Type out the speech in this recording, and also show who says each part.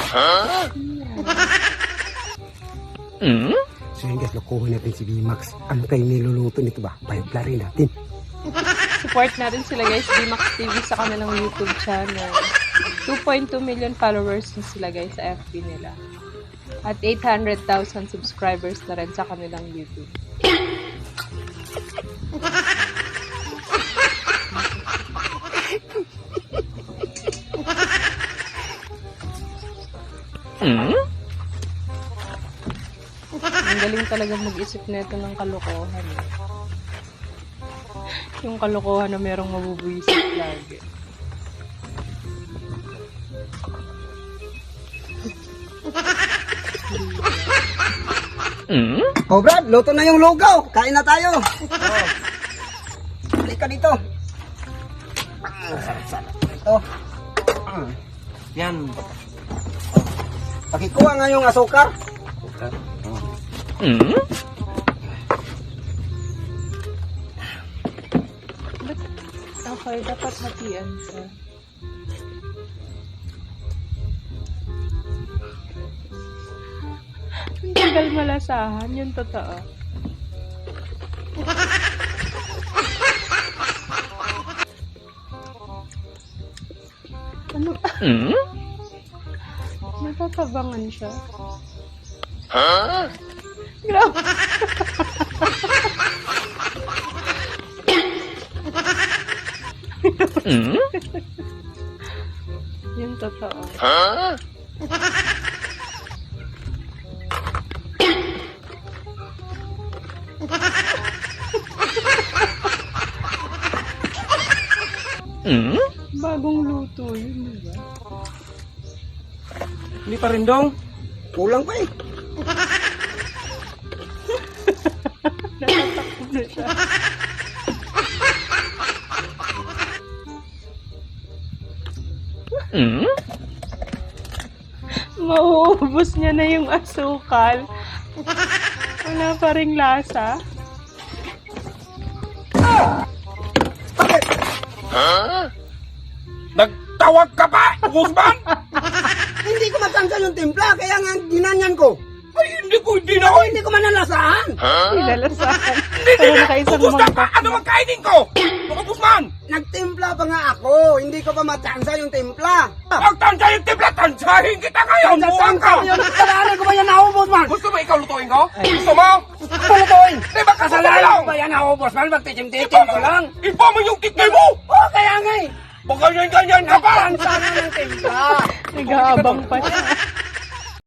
Speaker 1: So yun guys, lokohin natin si VMAX. Ano kayo niluluto nito ba? Payag-lari natin.
Speaker 2: Support natin sila guys, VMAX TV sa kanilang YouTube channel. 2.2 million followers na sila guys sa FB nila. At 800,000 subscribers na rin sa kanilang YouTube. Ang galing talaga mag-isip nito ng kalokohan. Yung kalokohan na merong mabubuisit lagi.
Speaker 1: Oh Brad, luto na yung lugaw. Kain na tayo. Halika dito. Sarap-sarap. Ito.
Speaker 3: Yan.
Speaker 1: Pakikuha nga yung asukar.
Speaker 2: Okay, dapat hatian siya. Ang tagal malasahan, yun totoo. Ano? Natatabangan siya. Grabe. Yung totoo. Bagong luto yun, diba?
Speaker 3: Hindi pa rin dong.
Speaker 1: Kulang pa eh.
Speaker 2: Natatakbo na siya. Mauubos niya na yung asukal. Wala pa ring lasa.
Speaker 3: Nagtawag ka pa, Guzman?
Speaker 1: Hindi ko matansan yung timpla, kaya nga ginanyan ko.
Speaker 3: Ay, hindi na ako.
Speaker 1: Hindi ko manalasahan.
Speaker 2: Nilalasahan.
Speaker 3: Hindi
Speaker 2: Pero
Speaker 3: na.
Speaker 2: nakaisang
Speaker 3: Ubus na
Speaker 2: mangkok.
Speaker 3: pa. Ano ang kainin ko? Mga Guzman.
Speaker 1: Nagtimpla pa nga ako. Hindi ko pa matansa yung timpla.
Speaker 3: Pag tansya yung timpla, tansyahin kita ngayon. Buwang ka.
Speaker 1: Kasalanan ko ba yan naubos man?
Speaker 3: Gusto mo ikaw lutuin ko? Gusto mo?
Speaker 1: Pulutuin.
Speaker 3: Di ba
Speaker 1: Kasalanan ko ba yan naubos man? Magtitim-titim ko lang.
Speaker 3: Iba mo yung tikay mo.
Speaker 1: Oo, kaya nga eh.
Speaker 3: Baka ganyan ka pa.
Speaker 1: Tansa na ng timpla.
Speaker 2: Nag-aabang pa siya.